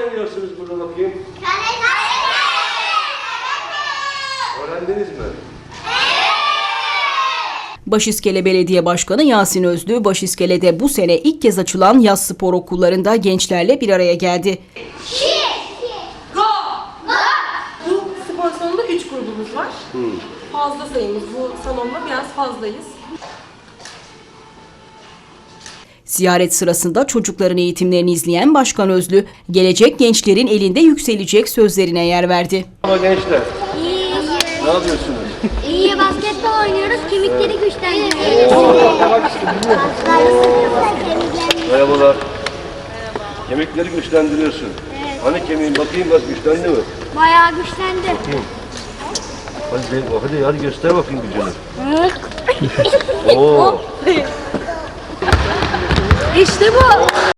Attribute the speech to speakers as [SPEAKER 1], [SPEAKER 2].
[SPEAKER 1] oynuyorsunuz burada bakayım? Öğrendiniz mi?
[SPEAKER 2] Başiskele Belediye Başkanı Yasin Özlü, Başiskele'de bu sene ilk kez açılan yaz spor okullarında gençlerle bir araya geldi.
[SPEAKER 3] Bu spor salonunda 3 grubumuz var. Fazla sayımız. Bu salonda biraz fazlayız.
[SPEAKER 2] Ziyaret sırasında çocukların eğitimlerini izleyen Başkan Özlü, gelecek gençlerin elinde yükselecek sözlerine yer verdi.
[SPEAKER 1] Ama gençler,
[SPEAKER 4] İyi.
[SPEAKER 1] ne yapıyorsunuz?
[SPEAKER 4] İyi basketbol oynuyoruz, kemikleri güçlendiriyoruz.
[SPEAKER 1] Merhabalar. Kemikleri güçlendiriyorsun. Hani kemiğin bakayım biraz güçlendi mi?
[SPEAKER 4] Bayağı güçlendi.
[SPEAKER 1] Hadi göster bakayım gücünü. Oo.
[SPEAKER 4] İşte bu.